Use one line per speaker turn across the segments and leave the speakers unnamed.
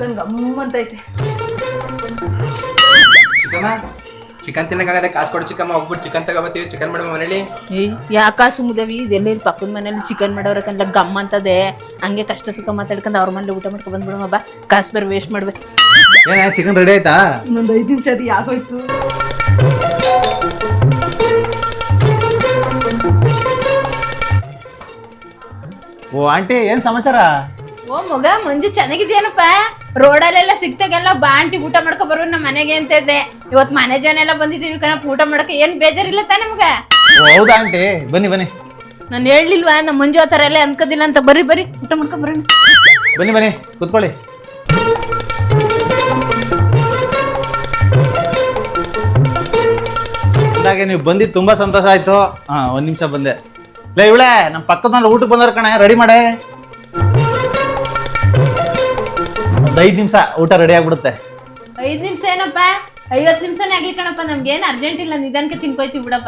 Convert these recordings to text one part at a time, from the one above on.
Chicken ಗಮ್ಮಂತೈತೆ.
Chicken ತಿನ್ನಕ್ಕಾಗದೆ ಕಾಸು ಕೊಡು ಚಿಕ್ಕಮ್ಮ, ಹೋಗ್ಬಿಟ್ಟು ಚಿಕನ್ ತಗೋಬತ್ತೀವಿ, ಚಿಕನ್ ಮಾಡೋ ಮನೇಲಿ.
ಯಾಕ ಸುಮ್ಮದವಿ ಇದೆಲ್ಲ ಇಲ್ಲಿ ಪಕ್ಕದ ಮನೇಲಿ ಚಿಕನ್ ಮಾಡೋರಕಂತ ಗಮ್ ಅಂತದೆ. ಹಂಗೆ ಕಷ್ಟ ಸುಖ ಮಾತಾಡ್ಕೊಂಡು ಅವ್ರ ಮನೇಲಿ ಊಟ ಮಾಡ್ಕೊ ಬಂದ್ಬಿಡಮ್ಮ ಬಾ, ಕಾಸು ಬೇರೆ ವೇಸ್ಟ್ ಮಾಡ್ಬೇಕು.
ಏನ ಚಿಕನ್ ರೆಡಿ ಆಯ್ತಾ?
ಇನ್ನೊಂದು 5 ನಿಮಿಷ ಅದು ಯಾಕೋಯ್ತು.
ಓ ಆಂಟಿ ಏನ್ ಸಮಾಚಾರ?
ಓ ಮಗ ಮಂಜು ಚೆನ್ನಾಗಿದ್ಯಾನಪ್ಪ? ರೋಡಲ್ಲೆಲ್ಲ ಸಿಕ್ತಾಗೆಲ್ಲ ಬಾ ಆಂಟಿ ಊಟ ಮಾಡ್ಕೊ ಬರೋ ನಮ್ಮ ಮನೆಗೆ ಅಂತ ಇದ್ದೆ. ಇವತ್ತು ಮನೆ ಜನ ಎಲ್ಲ ಬಂದಿದ್ದೀವಿ ಕಣಪ್ಪ ಊಟ ಮಾಡಕ್ಕೆ. ಏನ್ ಬೇಜಾರಿಲ್ಲ ತಾನೆ ಮಗ?
ಹೌದಾ ಆಂಟಿ, ಬನ್ನಿ ಬನ್ನಿ.
ನಾನು ಹೇಳಿಲ್ವಾ ನಮ್ಮ ಮಂಜು ಆ ಥರ ಎಲ್ಲ ಅನ್ಕೋದಿಲ್ಲ ಅಂತ. ಬರ್ರಿ ಬರ್ರಿ ಊಟ ಮಾಡ್ಕೊ ಬರೋಣ.
ಬನ್ನಿ ಬನ್ನಿ ಕೂತ್ಕೊಳ್ಳಿ. ಅಂದಾಗೆ ನೀವು ಬಂದಿದ್ದು ತುಂಬಾ ಸಂತೋಷ ಆಯ್ತು. ಹಾ, 1 ನಿಮಿಷ ಬಂದೆ. ಲೇ ಇವಳೆ ನಮ್ಮ ಪಕ್ಕದ ಮನೆ ಊಟಕ್ಕೆ ಬಂದವ್ರ ಕಣೆ, ರೆಡಿ ಮಾಡೆ. ಒಂದು 5 ನಿಮಿಷ ಊಟ ರೆಡಿ ಆಗ್ಬಿಡುತ್ತೆ.
5 ನಿಮಿಷ ಏನಪ್ಪ, 50 ನಿಮಿಷನೇ ಆಗ್ಲಿ ಕಣಪ್ಪ. ನಮ್ಗೇನು ಅರ್ಜೆಂಟ್ ಇಲ್ಲ, ನಿಧಾನಕ್ಕೆ ತಿನ್ಕೋಯ್ತೀವಿ ಬಿಡಪ್ಪ.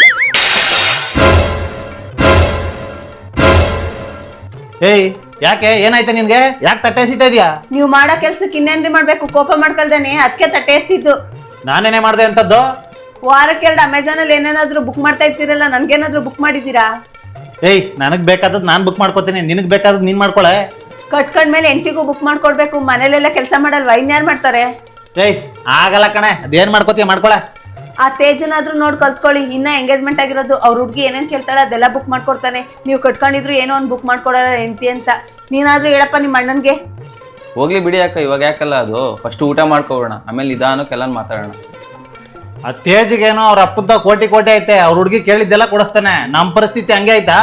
ಏಯ್ ಯಾಕೆ, ಏನಾಯ್ತಾ ನಿನ್ಗೆ? ಯಾಕೆ ತಟ್ಟೆ ಎಸಿತಾ ಇದೀಯಾ?
ನೀವು ಮಾಡೋ ಕೆಲ್ಸಕ್ಕೆ ಇನ್ನೇನ್ರಿ ಮಾಡ್ಬೇಕು? ಕೋಪ ಮಾಡ್ಕೊಳ್ದೇನೆ ಅದಕ್ಕೆ ತಟ್ಟೆ ಎಸ್ತಿದ್ದು.
ನಾನೇನೇ ಮಾಡ್ದೆ ಅಂತದ್ದು?
ವಾರಕ್ಕೆ 2 ಅಮೆಝಾನ್ ಅಲ್ಲಿ ಏನೇನಾದ್ರೂ ಬುಕ್ ಮಾಡ್ತಾ ಇರ್ತೀರಲ್ಲ, ನನ್ಗೇನಾದ್ರೂ ಬುಕ್ ಮಾಡಿದ್ದೀರಾ?
ಏಯ್ ನನಗ್ ಬೇಕಾದದ್ ನಾನ್ ಬುಕ್ ಮಾಡ್ಕೋತೀನಿ, ನಿನಗ್ ಬೇಕಾದದ್ ನೀನ್ ಮಾಡ್ಕೊಳೆ.
ಕಟ್ಕೊಂಡ್ಮೇಲೆ ಎಂಟಿಗೂ ಬುಕ್ ಮಾಡ್ಕೊಡ್ಬೇಕು. ಮನೇಲೆಲ್ಲ ಕೆಲಸ ಮಾಡಲ್ವಾ? ಇನ್ಯಾರು ಮಾಡ್ತಾರೆ?
ಏಯ್ ಆಗಲ್ಲ ಕಣೆ, ಅದೇನ್ ಮಾಡ್ಕೋತೀಯ ಮಾಡ್ಕೊಳೆ.
ಆ ತೇಜನಾದ್ರೂ ನೋಡಿ ಕಲ್ತ್ಕೊಳ್ಳಿ. ಇನ್ನ ಎಂಗೇಜ್ಮೆಂಟ್ ಆಗಿರೋದು. ಅವ್ರ ಹುಡುಗಿ ಏನೇನ್ ಕೇಳ್ತಾಳೆ ಅದೆಲ್ಲ ಬುಕ್ ಮಾಡ್ಕೊಡ್ತಾನೆ. ನೀವು ಕಟ್ಕೊಂಡಿದ್ರು ಏನೋ ಒಂದು ಬುಕ್ ಮಾಡ್ಕೊಡಲ್ಲ ಹೆಂಡತಿ ಅಂತ. ನೀನಾದ್ರೂ ಹೇಳಪ್ಪ ನಿಮ್ಮ ಅಣ್ಣನ್ಗೆ.
ಹೋಗ್ಲಿ ಬಿಡಿ ಅಕ್ಕ, ಇವಾಗ ಯಾಕಲ್ಲ ಅದು. ಫಸ್ಟ್ ಊಟ ಮಾಡ್ಕೋಬೋಣ, ಆಮೇಲೆ ನಿಧಾನಕ್ಕೆಲ್ಲ ಮಾತಾಡೋಣ.
ಆ ತೇಜ್ಗೇನೋ ಅವ್ರ ಅಪ್ಪದ ಕೋಟಿ ಕೋಟಿ ಐತೆ, ಅವ್ರ ಹುಡುಗಿ ಕೇಳಿದ್ದೆಲ್ಲ ಕೊಡಿಸ್ತಾನೆ. ನಮ್ ಪರಿಸ್ಥಿತಿ ಹಂಗೆ ಆಯ್ತಾ?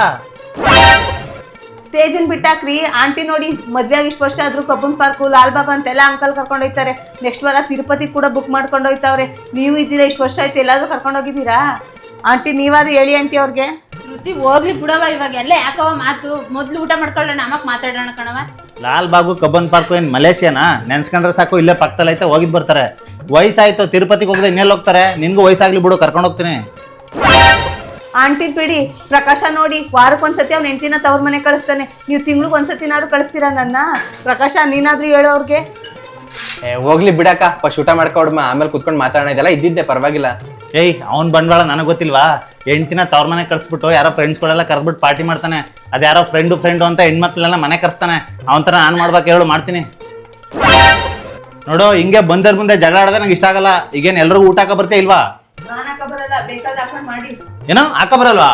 ತೇಜನ್ ಬಿಟ್ಟಾಕ್ರಿ. ಆಂಟಿ ನೋಡಿ ಮದ್ವೆ ಆಗಿ ಇಷ್ಟು ವರ್ಷ ಆದ್ರೂ ಕಬ್ಬನ್ ಪಾರ್ಕು, ಲಾಲ್ಬಾಗ್ ಅಂತೆಲ್ಲ ಅಂಕಲ್ ಕರ್ಕೊಂಡು ಹೋಗ್ತಾರೆ. ನೆಕ್ಸ್ಟ್ ವಾರ ತಿರುಪತಿ ಕೂಡ ಬುಕ್ ಮಾಡ್ಕೊಂಡು ಹೋಗ್ತಾವ್ರೆ. ನೀವು ಇದ್ದೀರಾ, ಇಷ್ಟು ವರ್ಷ ಆಯ್ತು, ಎಲ್ಲಾದ್ರೂ ಕರ್ಕೊಂಡು ಹೋಗಿದ್ದೀರಾ? ಆಂಟಿ ನೀವಾರು ಹೇಳಿ ಆಂಟಿ ಅವ್ರಿಗೆ.
ಶ್ರುತಿ ಹೋಗ್ಲಿ ಬಿಡವ, ಇವಾಗ ಎಲ್ಲ ಯಾಕವ ಮಾತು. ಮೊದ್ಲು ಊಟ ಮಾಡ್ಕೊಳ್ಳೋಣ, ಆಮಕ್ ಮಾತಾಡೋಣ ಕಣವ.
ಲಾಲ್ ಬಾಗು ಕಬ್ಬನ್ ಪಾರ್ಕು ಏನ್ ಮಲೇಷಿಯಾನಾ? ನೆನ್ಸ್ಕೊಂಡ್ರೆ ಸಾಕು, ಇಲ್ಲೇ ಪಕ್ಕದಲ್ಲಿ ಐತೆ, ಹೋಗಿದ್ ಬರ್ತಾರೆ. ವಯಸ್ಸಾಯ್ತು, ತಿರುಪತಿಗೆ ಹೋಗದೆ ಇನ್ನೆಲ್ಲ ಹೋಗ್ತಾರೆ. ನಿನ್ಗೂ ವಯಸ್ಸಾಗ್ಲಿ ಬಿಡು, ಕರ್ಕೊಂಡು ಹೋಗ್ತೀನಿ.
ಆಂಟಿ ಬಿಡಿ. ಪ್ರಕಾಶ ನೋಡಿ ವಾರಕ್ಕೊಂದ್ಸತಿ ಅವ್ನ ಹೆಂಡತಿನ ತವ್ರ ಮನೆ ಕಳಿಸ್ತಾನೆ. ನೀವು ತಿಂಗ್ಳಿಗೊಂದ್ಸತಿನಾದ್ರು ಕಳಿಸ್ತೀರಾ ನನ್ನ? ಪ್ರಕಾಶ ನೀನಾದ್ರೂ ಹೇಳೋ ಅವ್ರಿಗೆ.
ಹೋಗ್ಲಿ ಬಿಡಕ್ಕ, ಫಸ್ಟ್ ಊಟ ಮಾಡ್ಕೊಡ್ಮ, ಆಮೇಲೆ ಕುತ್ಕೊಂಡು ಮಾತಾಡೋಣ. ಇದೆಲ್ಲ ಇದ್ದಿದ್ದೆ, ಪರವಾಗಿಲ್ಲ.
ಏಯ್ ಅವ್ನ್ ಬಂಡವಾಳ ನನಗೆ ಗೊತ್ತಿಲ್ವಾ? ಹೆಂಡ್ತಿನ ತವ್ರ ಮನೆ ಕಳಿಸ್ಬಿಟ್ಟು ಯಾರೋ ಫ್ರೆಂಡ್ಸ್ಗಳೆಲ್ಲ ಕರೆದ್ಬಿಟ್ಟು ಪಾರ್ಟಿ ಮಾಡ್ತಾನೆ. ಅದ್ಯಾರೋ ಫ್ರೆಂಡು ಅಂತ ಹೆಣ್ಮಕ್ಳೆಲ್ಲ ಮನೆ ಕರ್ಸ್ತಾನೆ. ಅವನ ಥರ ನಾನು ಮಾಡ್ಬೇಕು ಹೇಳು, ಮಾಡ್ತೀನಿ ನೋಡು. ಹಿಂಗೆ ಬಂದರ್ ಮುಂದೆ ಜಗಳ ಆಡೋದೇ ನಂಗೆ ಇಷ್ಟ ಆಗಲ್ಲ. ಈಗೇನು ಎಲ್ರಿಗೂ ಊಟ ಹಾಕ ಬರ್ತೀಯ ಇಲ್ವಾ?
ಬರಲ್ಲ, ಬೇಕಾದ್ರೆ ಹಾಕೊಂಡು ಮಾಡಿ.
ಏನೋ ಹಾಕ ಬರಲ್ವಾ?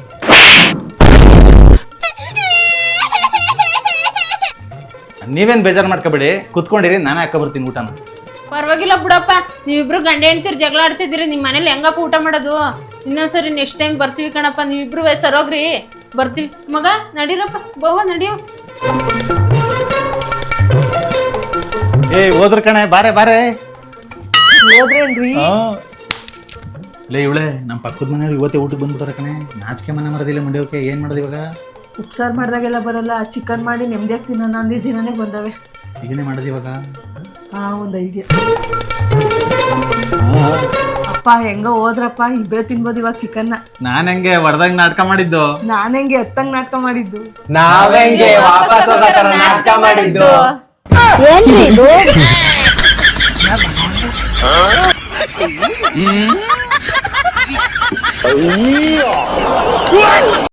ನೀವೇನ್ ಬೇಜಾರು ಮಾಡ್ಕೋಬೇಡಿ, ಕುತ್ಕೊಂಡಿರಿ, ನಾನೇ ಹಾಕ ಬರ್ತೀನಿ ಊಟನ.
ಪರವಾಗಿಲ್ಲ ಬಿಡಪ್ಪ, ನೀವಿಬ್ರು ಗಂಡ ಹೆಂಡ್ತಿರು ಜಗಳ ಆಡ್ತಿದ್ದೀರಿ. ನಿಮ್ಮ ಮನೇಲಿ ಹೆಂಗಪ್ಪ ಊಟ ಮಾಡೋದು? ಇನ್ನೊಂದ್ಸರಿ ನೆಕ್ಸ್ಟ್ ಟೈಮ್ ಬರ್ತೀವಿ ಕಣಪ್ಪ. ನೀವಿಬ್ರು ಸರೋಗ್ರಿ, ಬರ್ತೀವಿ. ಮಗ ನಡೀರಪ್ಪ, ಬೋವ ನಡಿಯೋ.
ಏಯ್ ಹೋದ್ರ ಕಣೆ, ಬಾರೆ ಬಾರೆ.
ಹೋದ್ರೇನ್ರಿ?
ಲೇ ಇವಳೆ ನಮ್ಮ ಪಕ್ಕದ ಮನೆಯವ್ರು ಇವತ್ತೇ ಊಟಕ್ಕೆ ಬಂದ್ಬಿಟ್ಟಾರೆ ಕಣೆ. ನಾಚಿಕೆ ಮನೆ ಮರದಿಲ್ಲ ಮುಂಡ್ಯವಕ್ಕೆ. ಏನು ಮಾಡೋದು ಇವಾಗ?
ಉಪ್ಸಾರು ಮಾಡಿದಾಗೆಲ್ಲ ಬರಲ್ಲ, ಚಿಕನ್ ಮಾಡಿ ನೆಮ್ಮದಿಯಾಗಿ ತಿನ್ನೋಣ ಅಂದಿದ್ದ ದಿನನೇ ಬಂದವೆ.
ಈಗೇನೇ ಮಾಡೋದು ಇವಾಗ?
ಒಂದು ಐಡಿಯಾ. ಅಪ್ಪ ಹೆಂಗ ಹೋದ್ರಪ್ಪ, ಇಬ್ಬರೇ ತಿನ್ಬೋದು ಇವಾಗ ಚಿಕನ್ನ.
ನಾನು ಹೆಂಗೆ ಹೊಡೆದಂಗೆ ನಾಟಕ ಮಾಡಿದ್ದು?
ನಾನು ಹೆಂಗೆ ಎತ್ತಂಗ್ ನಾಟಕ ಮಾಡಿದ್ದು?
ನಾವೆಂಗೆ ವಾಪಸ್ ಹೋಗೋ ತರ ನಾಟಕ ಮಾಡಿದ್ದು?
ಏನ್ರಿ ಇದು?